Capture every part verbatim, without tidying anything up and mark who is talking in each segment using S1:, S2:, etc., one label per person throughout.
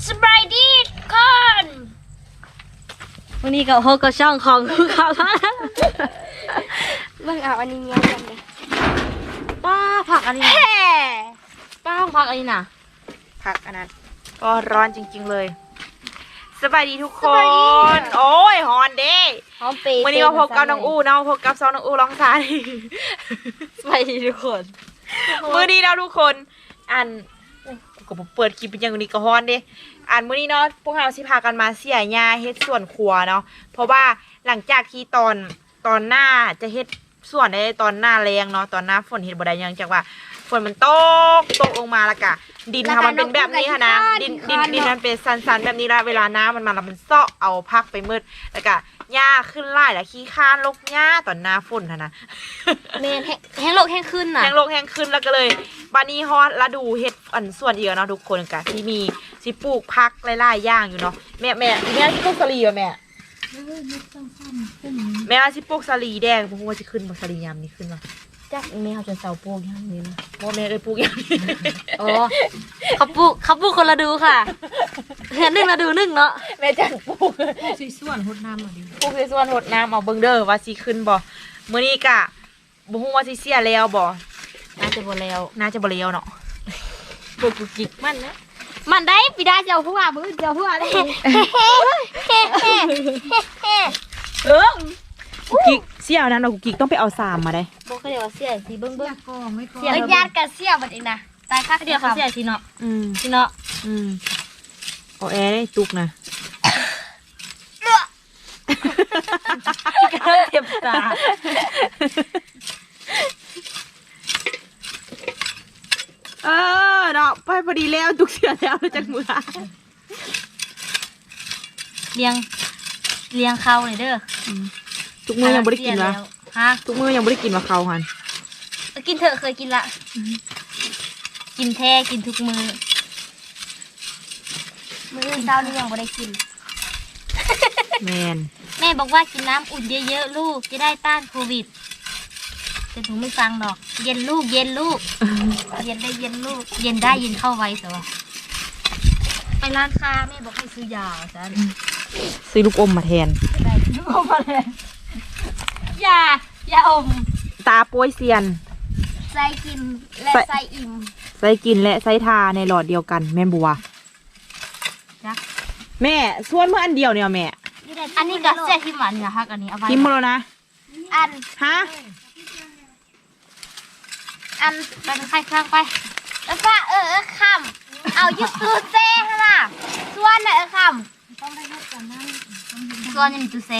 S1: สบายดีคนวันนี้ก็โฮก็ช่องของทุกเขาเบิ่งเอาอันนี้เงี้ยกันเลยป้าผักอันนี้ป้าผักอันนี้น่ะผักอันนั้นก็ร้อนจริงๆเลยสบายดีทุกคนโอ้ยฮอนเด้วันนี้มาพบกับน้องอู้เนาะพบกับซองน้องอู้ร้องซาดีสบายดีทุกคนมื้อนี้เราทุกคนอันก็เปิดคลิปเป็นอย่างนี้ก็ฮอนเด้อ่านมื้อนี้เนาะพวกเราสิพากันมาเสียหญ้าเฮ็ดสวนครัวเนาะเพราะว่าหลังจากที่ตอนตอนหน้าจะเฮ็ดสวนได้ตอนหน้าแรงเนาะตอนหน้าฝนเฮ็ดบ่ได้ยังจากว่าฝนมันตกตกลงมาแล้วก็ดินค่ะมันเป็นแบบนี้ค่ะนะดินดินดินมันเป็นสันๆแบบนี้ละเวลาน้ำมันมาแล้วมันเซาะเอาพักไปมืดแล้วก็หญ้าขึ้นไล่แล้วขี้ข้านลกหญ้าตอนหน้าฝนค่ะนะ
S2: เมนแห้งโลกแห้งขึ้นน่ะ
S1: แห้งโลกแห้งขึ้นแล้วก็เลยบานี้ฮอดฤดูเฮ็ดอันส่วนอีกเนาะทุกคนกันที่มีสิปลูกพักหลายๆอย่างอยู่เนาะแม่แม่แม่สิปลูกสลีป่ะแม่แม่ว่าสิปลูกสลีแดงเพราะว่าสิขึ้นบ่สลียามนี้ขึ้นมาจักแม่เขาจะเสาปลูกยามนี้นะบ่แม่เอ้ยปลูกยามนี้
S2: อ๋อเขาปลูกเขาปลูกคนละดูค่ะเห็นหนึ่งละดูหนึ่งเนาะ
S1: แม่จังปลูก
S3: ปลูกสิส่วนหดน้ำเอาดิ
S1: ปลูกสิส่วนหดน้ำเอาเบิ่งเด้อว่าสิขึ้นบ่มื้อนี้กะบ่ฮู้ว่าสิเสียแล้วบ่
S2: น่าจะบ่แล้ว
S1: น่าจะบ่แล้วเนาะปลูกจิกมันนะ
S2: มันได้ปีได้เจ้าผู้ว่ามือเจ้าผู้ว่าได้
S1: เออกูกิกเสี่ยวนั้นเรากูกิกต้องไปเอาสามมาได้
S2: บอกเขาเดี๋ยวเสียสีเบิ้งเบิ้ง
S3: เสีย
S2: ญาติกันเสียบัดเองนะตายค่าเดียวเขาเสียสีเนาะ
S1: อืม
S2: สีเนาะ
S1: อืมเอาแอร์ได้ตุกนะ
S2: ก็เจ็บตา
S1: เออเนาะไปพอดีแล้วตุกเสียแล้วจากมือ
S2: เลี้ยงเลี้ยงเขาเลยเด้อ
S1: ทุกมือยังไม่ได้กินวะ
S2: ฮะ
S1: ทุกมือยังไม่ได้กินวะเขาหัน
S2: กินเถอะเคยกินละกินแท้กินทุกมือมื้อเช้านี่ยังไม่ได้กิน
S1: แมน
S2: แม่บอกว่ากินน้ำอุ่นเยอะๆลูกจะได้ต้านโควิดแต่หนูไม่ฟังหรอกเย็นลูกเย็นลูกเย็นได้เย็นลูกเย็นได้เย็นเข้าไว้แต่ว่าไปร้านค้าแม่บอกให้ซื้อยาจ้ะ
S1: ซื้อลูกอมมาแทน
S2: ลูกอมมาแทนยายาอม
S1: ตาป่วยเซียน
S2: ใส่กินและใส่อิ่ม
S1: ใส่กินและใส่ทาในหลอดเดียวกันแม่บัวแม่ส่วนเมื่ออันเดียวเนี่ยแม่
S2: อันนี้ก็เสียที่หมันนะคะอันนี้เอาไว้
S1: พิมพ์มาแล้วนะ
S2: อัน
S1: ฮะ
S2: อันเป็นใครคลั่งไปแล้วป้าเออเออคำเอายึดตู้เซ่ใช่ไหมส่วนน่ะเออคำต้องไปยึดก่อนนั่นส่วนยังมีตู้เซ่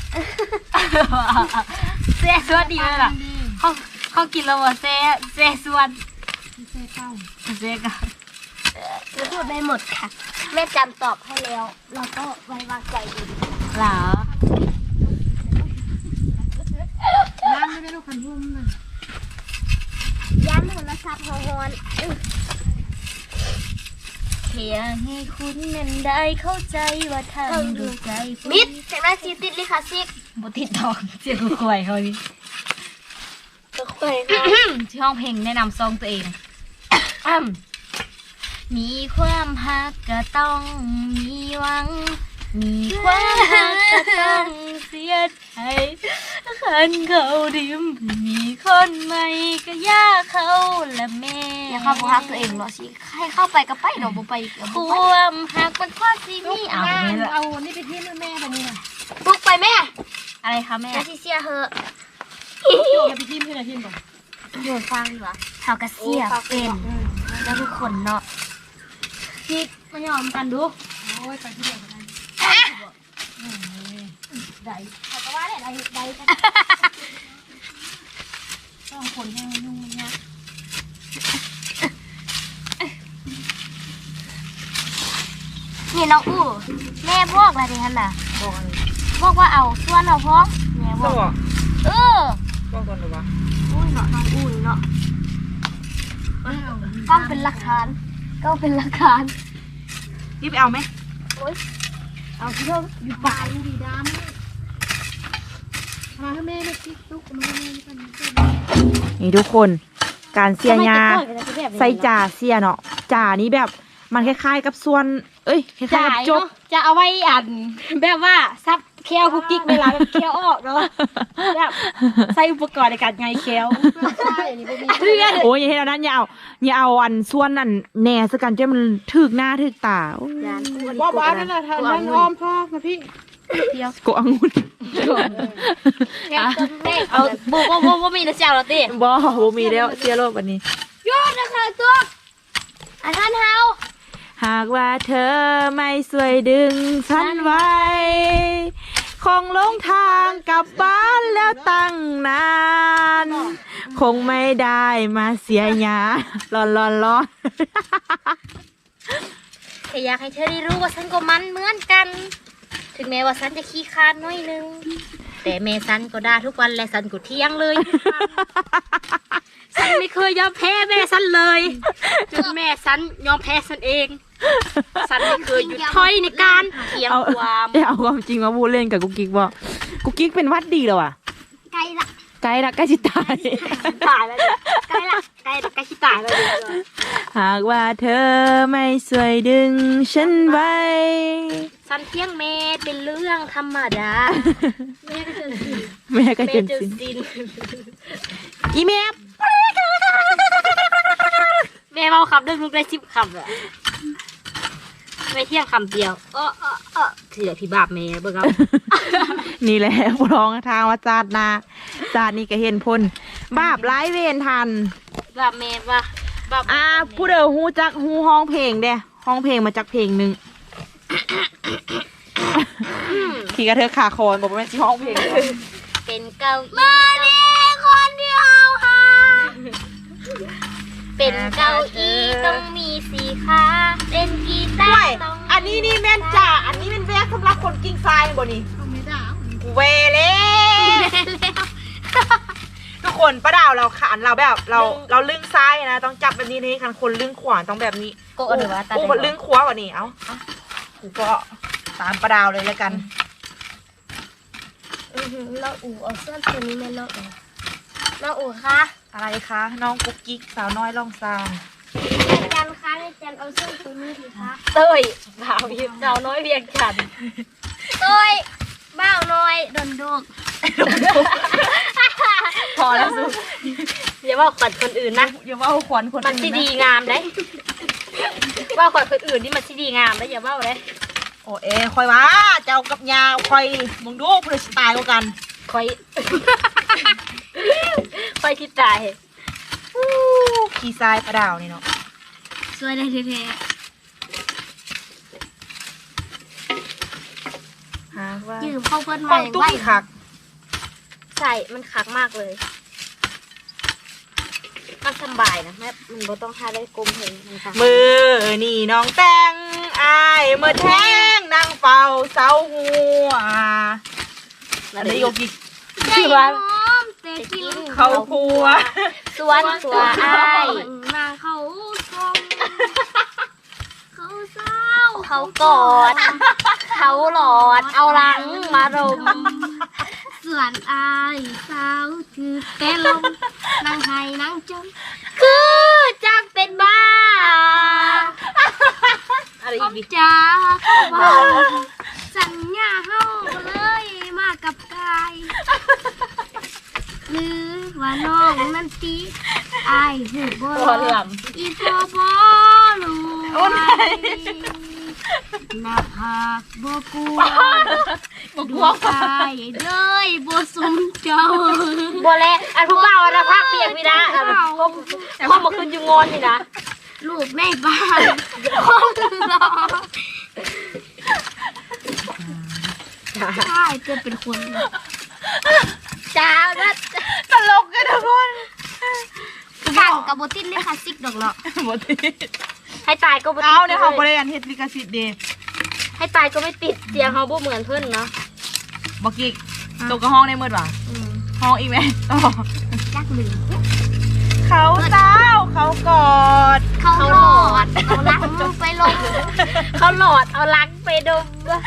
S2: เซ่ส่วนดีเลยล่ะเขาเขากินแล้วว่าเซ่เซ่ส่วน
S3: เซ่เก้า
S2: เซ่เก้าจะพูดได้หมดค่ะแม่จำตอบให้แล้วเราก็ไว้วางใจดีเหรอ
S3: น้ำไม่ได้ลูกขันทุ่มนะ
S2: ย้ำโทรศัพท์ฮอนเพียงให้คุณนั้นได้เข้าใจว่าทำดูใจมิดเสียงน่าซีติดลิคาซิกบติดดอกเสียงคุยเขาดิก็คุยที่ห้องเพลงแนะนำซองตัวเองมีความฮักก็ต้องมีหวังมีความฮักก็ต้องเสียใจขันเขาดิมมีคนใหม่ก็ยากเขาละแม่อย่าเข้าไปฮักตัวเองหรอสิให้เข้าไปก็ไปหนูบ่ไปความฮักเป็นความซีมี่เอา
S3: เอานี่ไปที่แม่แบบนี้นะ
S2: บุกไปแม่อะไรคะแม่ซีเซียเหอะ
S3: โยนไปที่ที่ไหนที่ก่อน
S2: โยนฟังดีกว่าเขากระเซียเป็นแล้วทุกคนเนาะพี่มายอมกันดู
S3: โอ้ยไปที่เดียวกัน
S2: ได้เขาก็ว่าได้ได้ได้
S3: ต้องคนให้ยุ่งยาก
S2: นี่น้องอู้แม่บอกอะไรดิฮันน่ะบอกว่าเอาส่วนเอาพ้องแม่บอกเออ
S1: บอกก่อนหรือวะ
S2: อุ้ยเนาะน้องอู้เนาะก็เป็นหลักฐานก็เป็นหลักฐาน
S1: รีบเอาไหม
S2: โอ้ยเอาที่เธออยู่ป่าอยู่ดีดาม
S3: มาให้แม่เล็กที่ตุ๊กมาให้แม่กัน
S1: นี่ทุกคนการเสียยาใส่จ่าเสียเนาะจ่านี้แบบ
S4: มันคล้ายๆกับส่วน เอ้ยคล้ายๆ
S1: จ่า
S4: กับ
S1: ย
S4: จบ
S1: เนาะจะเอาไว้อันแบบว่าซับเคี้ยวคุกกิ๊กเวลาแบบเคี้ยวออกเนาะแบบใส่อุปกรณ์ในการไงเคี้ยว
S3: ใช่อันนี้บ่มี
S1: เพื่อน
S4: โอ้ยอย่าให้เรานั้นอย่าเอาอย่าเอาอันส่วนนั่นแหน่ซะกันจะมันถึกหน้าถึกตาโอ้ย
S3: ว่าบ้านนั่นน่ะทานนั่นอ้อมพ่อนะพี่
S4: โกองุ่น
S1: แม่แม่เอาบุกบุกบุกมีนะเจ้าเราตี
S4: บ่บ่มีแล้วเสียโลกวันนี้
S1: ยอดนะคะตัวอันท่านเฮา
S4: หากว่าเธอไม่สวยดึงฉันไว้ คงหลงทางกลับบ้านแล้วตั้งนาน คงไม่ได้มาเสียหยาร้อนร้อนร้อน
S1: แค่อยากให้เธอได้รู้ว่าฉันก็มันเหมือนกัน ถึงแม้ว่าฉันจะขี้คร้านน้อยนึง แต่แม่ฉันก็ด่าทุกวันและฉันก็เที่ยงเลย ฉันไม่เคยยอมแพ้แม่ฉันเลยจนแม่ฉันยอมแพ้ฉันเอง ฉันไม่เคยหยุดถอยในการเถียง
S4: เอา
S1: ความ
S4: เอาความจริงมาพูดเล่นกับกุ๊กกิ๊กบอกกุ๊กกิ๊กเป็นวัดดีแล้วอ่ะ
S1: ไกลละ
S4: ใกล้ละใกล้จิตาย
S1: ตายแล้วเนี่ยไกลละไกลละใกล้ที่ตายแล้วเนี่ย
S4: หากว่าเธอไม่สวยดึงฉันไว้
S1: ฉันเที่ยงแม่เป็นเรื่องธรรมดา
S4: แม่ก็
S1: แม่
S4: จน
S1: จะ
S4: สิ้น
S1: สิ้น
S4: อีเมฟ
S1: แม่เมาคำเรื่องลูกได้สิบคำเลยไม่เที่ยงคำเดียวเออเออเออเสียพี่บาปแม่เบิ่งเอา
S4: นี่แหละพร้องทางว่าจาดนาจาดนี่ก็เห็นพลบาปร้ายเวรทัน
S1: บาปแม่ว่าบาป
S4: อ่าผู้เดียวฮู้จักฮู้ห้องเพลงเด้ห้องเพลงมาจากเพลงหนึ่งขี่กระเทอขาคอนบอกว่าเป็นที่ห้องเพลง
S1: เป็นเก้าอี้มาดีคนเดียวค่ะเป็นเก้าอี้ต้องมีสี่ขาเป็นกีตาร์ต้อง
S4: อันนี้นี่แม่นจ่าอันนี้เป็นแวกสำหรับคนกิ้งทรายบ่นี่เวเล่ทุกคนป้าดาวเราขานเราแบบเราเราลึงซ้ายนะต้องจับแบบนี้นี่คันคนลึงขวาต้องแบบนี้
S1: โกะหรือว่าตา
S4: โอ้ลึงขวากว่านี้เอ้ากูก็ตามป้าดาวเลยแล้วกัน
S1: เราอู่เอาเสื้อตัวนี้ไม่เลอะเราอู่คะ
S4: อะไรคะน้องกุ๊กกิ๊กสาวน้อยล่องซาง
S1: จันคะในจันเอาเสื้อตัวนี้ดีคะเต้ยบ่าวยิบสาวน้อยเวียงจันเต้ยบ่าวน้อยดนดก
S4: พอแล้วสุ
S1: อย่าว่าขวัญคนอื่นนะ
S4: อย่าว่าขวัญคน
S1: มันที่ดีงามได้ว่าขวัญคนอื่นนี่มันที่ดีงามได้อย่าว่าเลย
S4: โอ้เอ้คอยว่าเจ้ากับยาคอยมึงดูเพื่อสไตล์กัน
S1: คอย คอยที่ตาย
S4: ขี่ทรายป้าดาวนี่เนาะ
S1: สวยได้แท้
S4: หาว่า
S1: ยืมเข้าเพื่อน
S4: ข
S1: ใหม่
S4: องตุ้
S1: ไว้
S4: มคัก
S1: ใช่มันคักมากเลยมันสบายนะแม่มันบ่ต้องทาได้กลมเห็นมันคัก
S4: มือนี่น้องแต่งอายเมื่อแทงนางเฝ้าเสาหัวอะไรโยกิ
S1: ชื่อว่า
S3: แต่กิน
S4: เขาครัว
S1: สวนสัวอ้าย
S3: มาเขาชมเขาเศร้า
S1: เขากอด เขาหลอด เอาหลังมารม
S3: ส่วนอายสาวคือแต่ลมนั่งไห้นั่งจม
S1: คือจังเป็นบ้า
S4: อะไร
S3: ผ
S4: อี
S3: ม
S4: กดิ
S3: จ้าเขาว่าสัญญาเฮาเลยมากับกายหรือว่าน้องนั่นตีอายหูบ่
S1: ตอนหลัง
S3: อีพอบ่รู้ไว้หน้าผากบ่กลัว
S4: บอก
S3: ด
S4: กลั
S3: ว
S4: ว
S3: งตายเลยบ่สมเจ้า
S1: โบแลอันผู้บ่าวนะพักเบียงพี่นะอันพ่อพ่อมาขึ้นอยู่งอนนี่นะ
S3: ลูกในบ้านคนรอใช่จะเป็นคน
S1: จ้านะ
S4: ตลกกันทุกคน
S3: กันกับโบตินเลยค่ะซิกดอกเนาะ
S4: หมดที่
S1: ให้ตายก็ไม่ติด
S4: เอาเนี่ยเขาบริการเฮ็ดลิขสิทธิ์เด
S1: ให้ตายก็ไม่ติดเสียงเขาบ่เหมือนเพื่อนเนาะ
S4: บอกกิกตัวกระห้องได้เมื่อวะห้องอีกไหมต่อ
S3: ยักลืม
S4: เขาเต้าเขากอด
S3: เขาหลอดเอาลังไปลง
S1: เขาหลอดเอาลังไปดม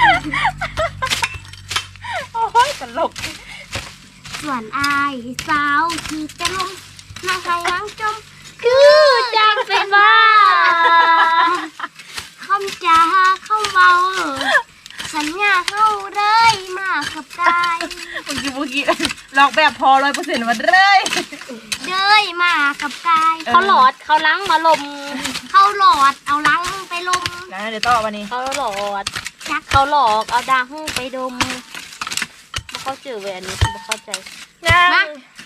S4: โอ้ยตลก
S3: ส่วนอายสาวคือจะลงนั่งไห้นั่งจม
S1: คือจังเป็นบ้า
S3: ำจาเข้าเบาสัญญาเข้าเลยมากับกาย
S4: เมื่อกี้เมื่อกี้ลอกแบบพอร้อยเปอร์เซ็นต์มาเลย
S3: เดยมากับกาย
S2: เขาหลอดเขาล้างมาลม
S3: เข้าหลอดเอาลังไปลม
S4: นะเดี๋ยวต่อวันนี้
S2: เขาหลอด
S3: จัก
S2: เขาหลอกเอาดังไปดมบ่เข้าใจเวยอันนี้บ่เข้าใจ
S4: ยัง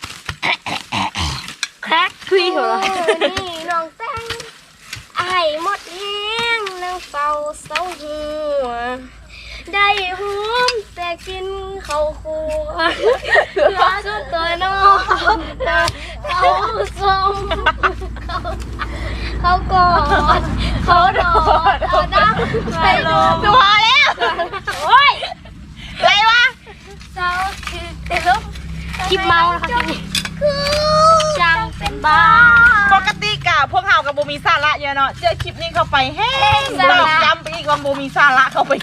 S2: แครกคุยเหรอ
S3: นี่น้องแตงไอ้หมดแห้งนั่งเฝ้าเสาหัวได้หอมแต่กินข้าวคั่วเหลือจนตัวน้องเขาส่งเขาเขากอดเขาดอดเอาดังไปลม
S4: ตัวแล้ว
S3: โอ้ย
S4: อะไรวะ
S3: เศร้าคือเต็ม
S2: คลิปเมานะคะคลิปนี้
S3: คือจังเป็นบ้า
S4: ปกติกะพวกเฮากับโบมีสาระเยอะเนาะเจอคลิปนี้เข้าไปแห้ง
S3: สาระ
S4: ตอกย้ำไปอีกว่าโบมีสาระเข้าไป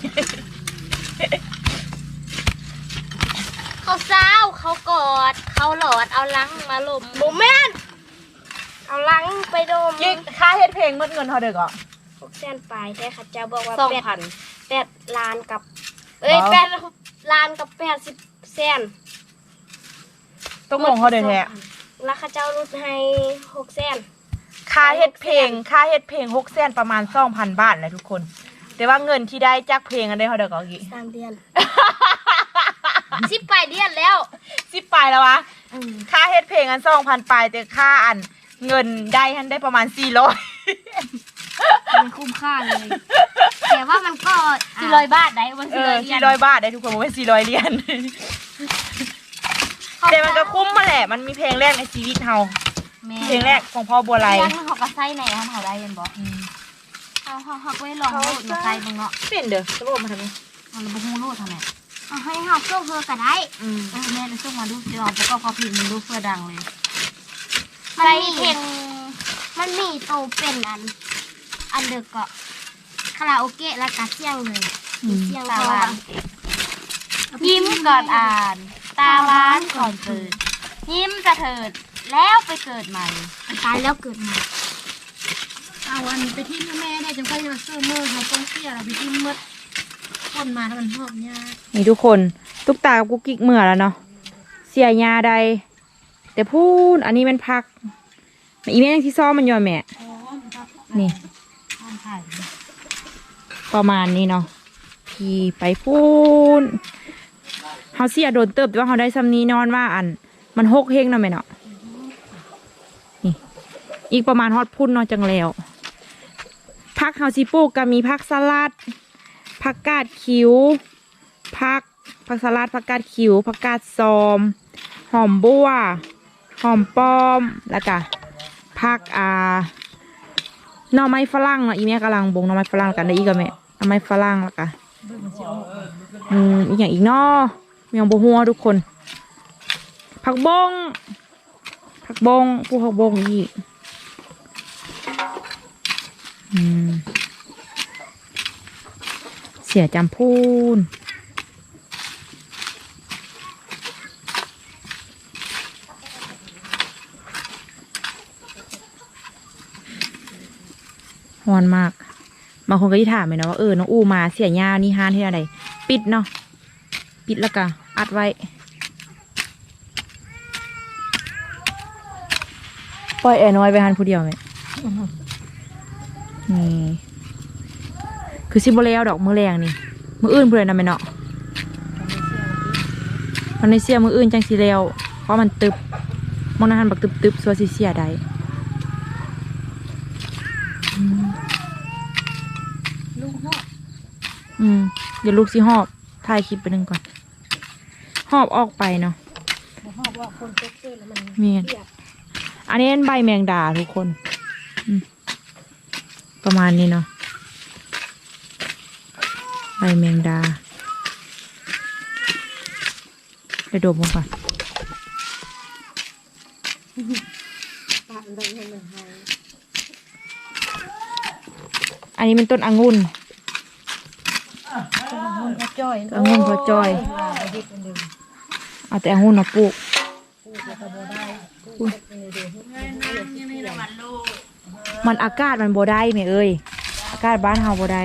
S2: เขาเศร้าเขากอดเขาหลอดเอาล้างมาลม
S3: โมแม่นเอาลังไปดม
S4: ยิงค่าเฮ็ดเพลงหมดเงินเท่าเด้อก็
S3: หกแสนปลายแต่ข้าเจ้าบอกว่า
S2: สอง
S3: แปด
S2: พัน
S3: แปดล้านกับ เอ้ย
S4: ว้าว
S3: แปดล้านกับแปดสิบแสน
S4: ต้องลงเขาเด้อแท้
S3: แล้วข้าเจ้าลดให้หกแสน
S4: ค่าเฮ็ดเพลงค่าเฮ็ดเพลงหกแสนประมาณสองพันบาทนะทุกคน แต่ว่าเงินที่ได้จากเพลงอันได้เท่าเด้อก็กี่
S3: สามเดือน สิบปลายเดือนแล้ว
S4: สิบปลายแล้ววะค่าเฮ็ดเพลงอันสองพันปลายแต่ค่าอันเงินได้ทันได้ประมาณสี่ร้อย
S3: มันคุ้มค่าเลย แต่ว่ามันก็
S2: สี่ร้อยบาทได้วัน
S4: เอ
S2: สี่ร้
S4: อ
S2: อยเหรีย
S4: สี่
S2: ญ
S4: ร้อยบาทได้ทุกคนบอกว่าสี่ร้อยเหรียญแต่มันก็คุ้มมาแหละมันมีเพลงแรกในชีวิตเฮา
S2: แม่
S4: เพลงแรกของพ่อบัวไล
S2: ยังเขาก็ใส่ในท่านเขาได้ยันบอกเขาเขาเขาไว้ลองโลดมาใส่มึงเนาะ
S4: เป็นเด้อจะบอกมาทำไม
S2: มันบ่ฮู้โลดทำไม
S3: เอาให้หอบโซ่เธอก็ได้
S4: อืม
S2: เออแม่เลยส่งมาดูสิลองประกอบความผิดมึงดูเพื่อดังเลย
S3: มัน
S2: ใส่
S3: มี
S2: เพลง
S3: มันมีโตเป็นอัน อันเดอร์เกาะคาราโอเกะและกาเซียงเลยมีเสียง
S2: ตา
S3: พอ
S2: หวานยิ้มก่อนอ่าน ตาหวานก่อนเกิด ยิ้มจะเถิดแล้วไปเกิดใหม่
S3: ตายแล้วเกิดใหม่
S1: เอาวันไปที่แม่ได้จังค่อยมาซื้อมือเขาต้องเสียเราไปที่มืดคนมาแล้วมันหอบยาก
S4: นี่ทุกคนตุ๊กตากับกุ๊กกิ๊กเมื่อแล้วเนาะเสียยาใดแต่พูดอันนี้มันพักอีเมลที่ซ้อมมันยอมแม่นี่ประมาณนี้เนาะพี่ไปพูนเขาเสียโดนเติบแต่ว่าเขาได้ซ้ำนี้นอนว่าอัน มันหกเฮงเนาะแม่เนาะนี่อีกประมาณฮอดพุ่นเนาะจังแล้วพักเฮาซีปลูกก็มีพักสลัดผักกาดคิ้วผักผักสลัดผักกาดคิ้วผักกาดซอมหอมบัวหอมป้อมแล้วก็ผักอ่าหน่อไม้ฝรั่งเนาะอีแม่กำลังบงหน่อไม้ฝรั่งกันได้อีกกับแม่หน่อไม้ฝรั่งแล้วก็อืมอีกอย่างอีกเนาะเมียงบัวหัวทุกคนผักบงผักบงผู้ผักบงอีกอืมเสียจำพูนฮอนมากบางคนก็ที่ถามเลยนะว่าเออน้องอูมาเสียยานี่ฮานที่อะไรปิดเนาะปิดแล้วก็อัดไว้ปล่อยแอร์น้อยไปฮันผู้เดียวไหมนี่คือซิโบเลวดอกมือแรงนี่มืออื่นเพื่อนนะแม่เนาะมันในเสียมืออื่นจังสีเลวเพราะมันตึบมองหน้าหันบักตึบตึบสัวสีเสียได้อืม
S1: ลูกหอบ
S4: อืมเดี๋ยวลูกสิหอบถ่ายคลิปไปหนึ่งก่อนหอบออกไปเนาะ
S1: หอบว่าคนเจ๊กๆแล้วมัน
S4: เมียนอันนี้เป็นใบแมงดาทุกคนอืมประมาณนี้เนาะใบแมงดาไปดมมันก่อน
S1: ปะอะไรให้มันหาย
S4: อันนี้เป็นต้นองุ่น
S1: มันก็จ้อย
S4: องุ่นพอจอยเอาแต่องุ่นมาปลูกมันอากาศมันโบได้ไหมเอ้ยอากาศบ้านเฮาบ่ได้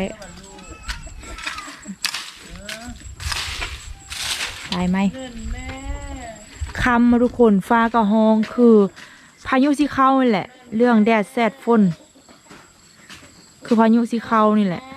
S4: ตายไหมคำมาทุกคนฟ้ากับห้องคือพายุสิเข้านี่แหละ เรื่องแดดแสดฝนคือพายุสิเข้านี่แหละ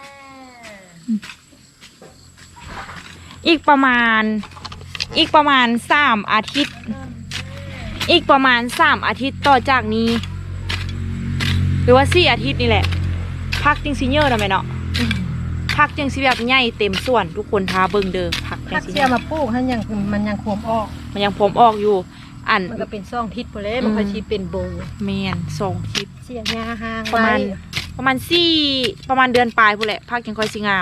S4: อีกประมาณอีกประมาณสามอาทิตย์อีกประมาณสามอาทิตย์ต่อจากนี้หรือว่าสี่อาทิตย์นี่แหละพักจริงซีเนอร์นะแม่เนาะพักจังสิแบบใหญ่เต็มส่วนทุกคนทาเบิ่งเด้อพักจั
S2: ผั
S4: ง
S2: ก
S4: สิ
S2: เสียมาปลูกให้ยังมันยังขวมออก
S4: มันยังผมออกอยู่อัน
S2: มันก็เป็นซ่องทิศพอแล้วมันก็ชีเป็นโบ
S4: แมนสองทิศ
S2: เสียยาห่าง
S4: ประมาณประมาณสี่ประมาณเดือนปลายพู้นแหละพักยังค่อยสิงาม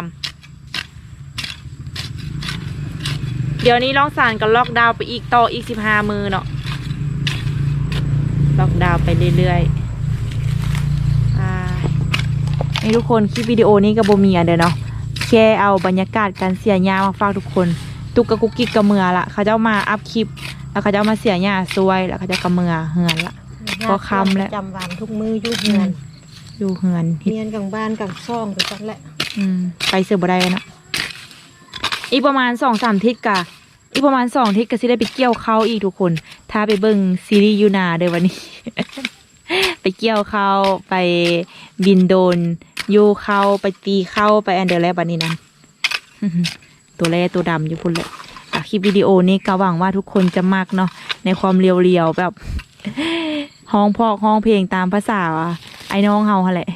S4: เดี๋ยวนี้ร้องสารกับล็อกดาวน์ไปอีกต่ออีกสิบห้ามือเนาะล็อกดาวน์ไปเรื่อยๆอ่านี่ทุกคนคลิปวิดีโอนี้กับโบเมียเด้อเนาะแค่เอาบรรยากาศการเสียหญ้ามาฝากทุกคนตุกกะกุกกิกกะเมือละเขาจะมาอัพคลิปแล้วเขาจะมาเสียหญ้าซวยแล้วเขาจะกะเมือเหือนละ ก็คำแล้ว
S2: จำวันทุกมืออยู่เฮือน
S4: อยู่เหือน
S2: เฮียนกลางบ้านกลางซ่องไปจังแหละ
S4: อืมไปเสือบ่ได้เนาะอีกประมาณสองสามทิศกะอีกประมาณสองทิศก็สิได้ไปเกี่ยวเข้าวอีกทุกคน ถ้าไปเบิ่งซีรีส์ยูนาเด้อวันนี้ ไปเกี่ยวเข้าวไปบินโดนโยเข้าไปตีเข้าไปแอนเดอร์แล้วบัดนี้นั้น ตัวแรตัวดำอยู่พุ่นเลยอ่ะคลิปวิดีโอนี้ก็หวังว่าทุกคนจะมักเนาะในความเรียวๆแบบ ห้องพอกห้องเพลงตามภาษาไอ้น้องเฮาหั่นแหละ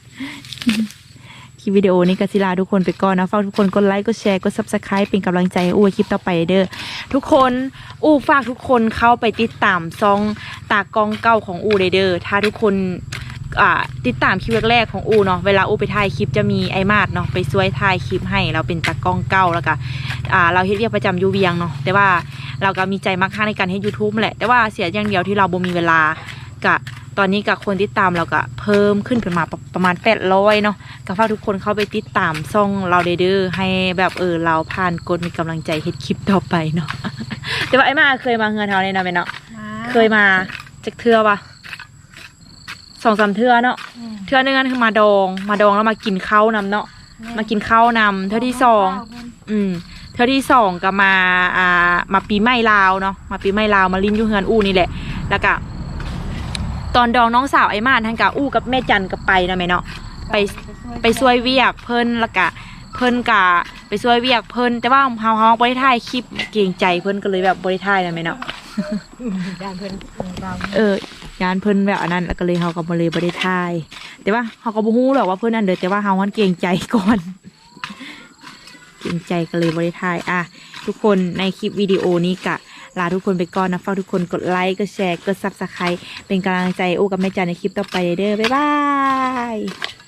S4: คลิปวิดีโอนี้ก็สิลาทุกคนไปก่อนนะฝากทุกคนกดไลค์กดแชร์กด ซับสไครบ์ เป็นกำลังใจให้อู้คลิปต่อไปเด้อทุกคนอู้ฝากทุกคนเข้าไปติดตามซองตากล้องเก่าของอู้เด้อถ้าทุกคนอ่าติดตามคลิปแรกๆของอูเนาะเวลาอูไปถ่ายคลิปจะมีไอมาดเนาะไปช่วยถ่ายคลิปให้เราเป็นตากล้องเก่าแล้วก็อ่าเราเฮ็ดเวียกประจำอยู่เวียงเนาะแต่ว่าเราก็มีใจมักค่าในการเฮ็ด ยูทูบ แหละแต่ว่าเสียอย่างเดียวที่เราบ่มีเวลากะตอนนี้กับคนติดตามเราก็เพิ่มขึ้นเป็นมาประมาณแปดร้อยเนาะก็ฝากทุกคนเข้าไปติดตามช่องเราเด้อให้แบบเออเราผ่านกดมีกำลังใจเฮ็ดคลิปต่อไปเนาะ แต่ว่าไอ้มาเคยมาเฮือนเฮาเนี่ยเนาะแม่เนาะเคยมาจักเทื่อปะสองสามเทื่อเนาะเทื่อนึงนั่นคือมาดองมาดองแล้วมากินข้าวนำเนาะมากินข้าวนำเทื่อที่สองอืมเทื่อที่สองก็มาอ่ามาปีใหม่ลาวเนาะมาปีใหม่ลาวมาลิ้นอยู่เฮือนอู้นี่แหละแล้วก็ตอนดองน้องสาวไอ้มานท่านกะอู้กับแม่จันกับไปนะแม่เนาะไปไปช่วยเวียกเพิ่นแล้วก็เพิ่นกะไปช่วยเวียกเพิ่นแต่ว่าเฮาเฮาบ่ได้ถ่ายคลิปเกรงใจเพิ่นก็เลยแบบบ่ได้ถ่ายนะแม่เนาะ
S2: ด้านเพิ่นเรา
S4: เอองานเพิ่นแบบอันนั้นแล้วก็เลยเฮาก็บ่เลยบ่ได้ถ่ายแต่ว่าเฮาก็บ่ฮู้หรอกว่าเพิ่นอันเด้อแต่ว่าเฮามันเกรงใจก่อน เกรงใจก็เลยบ่ได้ถ่ายอ่ะทุกคนในคลิปวิดีโอนี้กะลาทุกคนไปก่อนนะฝากทุกคนกดไลค์กดแชร์กด ซับสไครบ์ เป็นกำลังใจโอ้กับแม่จันในคลิปต่อไปเด้อบ๊ายบาย